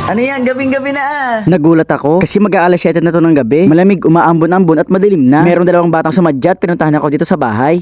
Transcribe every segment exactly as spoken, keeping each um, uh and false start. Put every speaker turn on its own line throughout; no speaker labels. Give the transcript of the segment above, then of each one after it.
Ano yan? Gabing-gabi na ah.
Nagulat ako kasi mag-aalas siyete na to ng gabi. Malamig, umaambon-ambon at madilim na. Merong dalawang batang sumadya at pinuntahan ako dito sa bahay.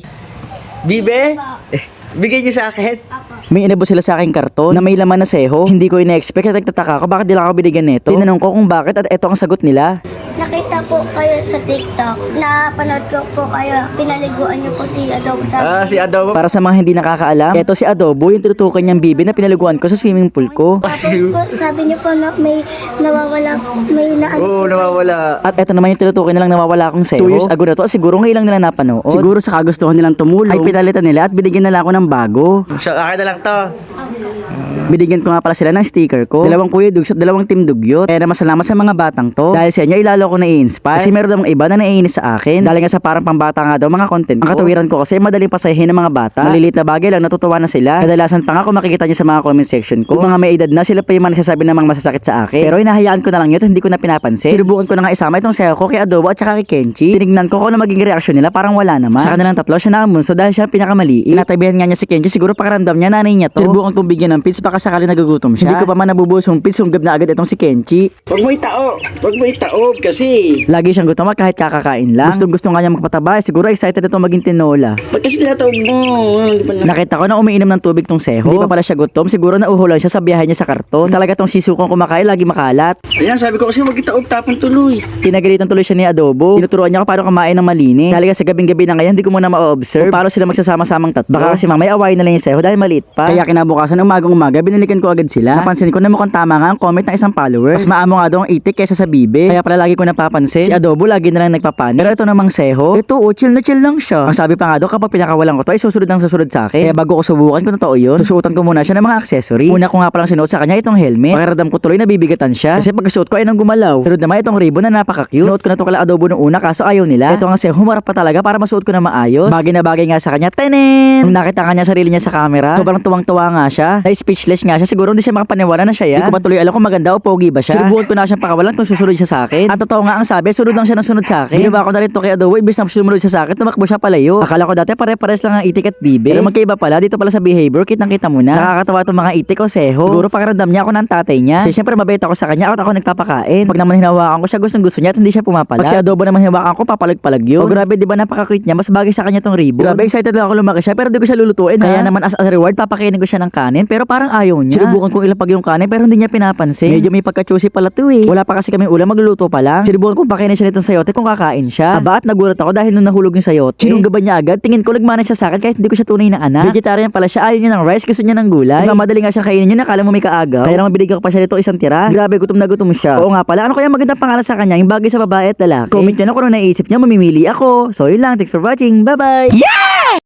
Bibe? Eh, bigay niyo sa akin.
May inabot sila sa aking karton na may laman na seho. Hindi ko ina-expect at nagtataka ako bakit di lang ako binigyan nito. Tinanong ko kung bakit at eto ang sagot nila.
Nakita po kayo sa TikTok. Napanood ko po kayo. Pinaliguan niyo po si Adobo sa...
Ah, si Adobo.
Para sa mga hindi nakakaalam, eto si Adobo yung tinutukan niyang bibi na pinaliguan ko sa swimming pool ko.
Tapos po, sabi niyo po na may nawawala, may na...
Oo, nawawala.
At eto naman yung tinutukoy nilang nawawala akong seho. Two years ago na to, siguro ngayon lang nila napanood. Siguro sa kagustuhan nilang tumulong, ay pinalitan nila at binigyan nila ako ng bago.
So, akin na lang to.
Binigyan ko nga pala sila ng sticker ko. Dalawang kuya dugs at dalawang team dugyot. Kaya naman salamat sa mga batang to. Dahil sa inyo, ilalo ko na-i-inspire. Kasi meron namang iba na naiinis sa akin. Dahil nga sa parang pambata nga daw mga content ko. Ang katawiran ko kasi madaling pasahin ng mga bata. Maliliit na bagay lang, natutuwa na sila. Kadalasan pa nga kung makikita nyo sa mga comment section ko. Yung mga may edad na, sila pa yung mga nagsasabi ng mga masasakit sa akin. Pero hinahayaan ko na lang yun at hindi ko na pinapansin. Sinubukan ko na nga isama itong sayo ko kay Adobo at saka kay Kenchi. Tinignan ko kung ano maging reaksyon nila, parang wala naman. Sa kanilang tatlo, siya na ang bunso dahil siya ang pinakamaliit. Inatabihan nga niya si Kenchi, siguro pakaramdam niya nanay niya to. Sinubukan kong bigyan ng pits baka sakali nagugutom siya. Hindi ko pa man nabubuhos yung pits, sunggab na agad itong si Kenchi.
Huwag mo itaob. Huwag mo itaob kasi.
Lagi siyang gutom at kahit kakakain lang. Gustong gusto nga niya magpataba, siguro excited ito maging tinola.
Ba't kasi tinataob mo? Hindi pa na.
Nakita ko na umiinom ng tubig tong seho. Hindi pa pala siya gutom, siguro nauhulan siya sa biyahe niya sa karton. Talaga tong sisukong kumakain, lagi makalat.
Ayan, sabi ko kasi huwag itaob, tapon tuloy.
Pinagalitan tuloy siya ni Adobo. Tinuturuan niya ako paano kumain ng malinis. Dahil sa gabing-gabi na ngayon, hindi ko muna ma-observe kung paano sila magsasama-samang tatlo. Baka kasi mamaya awayin na lang yung seho dahil maliit pa. Kaya kinabukasan ng umagang-umaga, binalikan ko agad sila. Napansin ko na mukhang tama nga ang comment ng isang follower. Mas maamo nga daw ang itik kaysa sa bibe. Kaya pala lagi ko napapansin, si Adobo lagi na lang nagpapanik. Pero ito namang seho, ito oh, chill na chill lang siya. Ang sabi pa nga daw, kapag pinakawalan ko to ay susunod ang susunod sa akin. Kaya bago ko subukan kung totoo yun, susuotan ko muna siya ng mga accessories. Una ko nga palang sinuot sa kanya itong helmet. Pakiramdam ko tuloy nabibigatan siya. Kasi pagkasuot ko ay nang gumalaw. Pero naman itong ribbon na napaka-cute. Nuot ko na to kala Adobo nung una kaso ayaw nila. Ito nga seho, humarap pa talaga para masuot ko na maayos. Bagay na bagay nga sa kanya. Tenen! Nung nakita kanya sarili niya sa camera, sobrang tuwang-tuwa nga siya. Ay speechless nga siya. Siguro hindi siya makapaniwala na siya yan. Hindi ko pa tuloy alam kung maganda o pogi ba siya. Sinubukan ko na siyang pakawalan kung susunod siya sa akin. At totoo nga ang sabi, sunod lang siya ng sunod sa akin. Ginawa ko na rin to kay Adobo, ibig na sumunod siya sa akin, tumakbo siya palayo. Akala ko dati pare-pares lang ang itik at bibe. Pero magkaiba pala, dito pala sa behavior, kitang-kita mo na. Nakakatawa itong mga itik o seho. Siguro pakiramdam niya ako ng tatay niya. Kasi syempre mabait ako sa kanya at ako nagpapakain. Pag naman hinawakan ko siya, gustong gusto niya at hindi siya pumapalag. Pag si Adobo naman hinawakan ko, papalag-palag yun. Oh grabe, di ba napaka-cute niya, mas bagay sa kanya tong ribbon. Grabe, excited lang ako lumaki siya pero di ko siya lulutuin. Kaya naman as a reward, papakainin ko siya ng kanin pero parang ayaw niya. Sinubukan kong ilapag yung kanin pero hindi niya pinapansin. Medyo may pagka-choosy pala to eh. Wala pa kasi kaming ulam, magluluto pa lang. Sinubukan kong pakainin siya nitong sayote kung kakain siya. Aba at nagulat ako dahil nung nahulog yung sayote. Sinunggaban niya agad, tingin ko nagmana siya sa akin kahit hindi ko siya tunay na anak. Vegetarian pala siya, ayaw niya ng rice, gusto niya ng gulay. Madali nga siyang kainin yun, nakala mo may kaagaw. Kaya naman binigyan ko pa siya nito isang tira. Grabe, gutom na gutom siya. Oo nga pala, ano kaya magandang pangalan sa kanya, yung bagay sa babae at lalaki? Comment niyo na kung ano naisip niya, mamimili ako. So yun lang, thanks for watching, bye bye!
Yeah!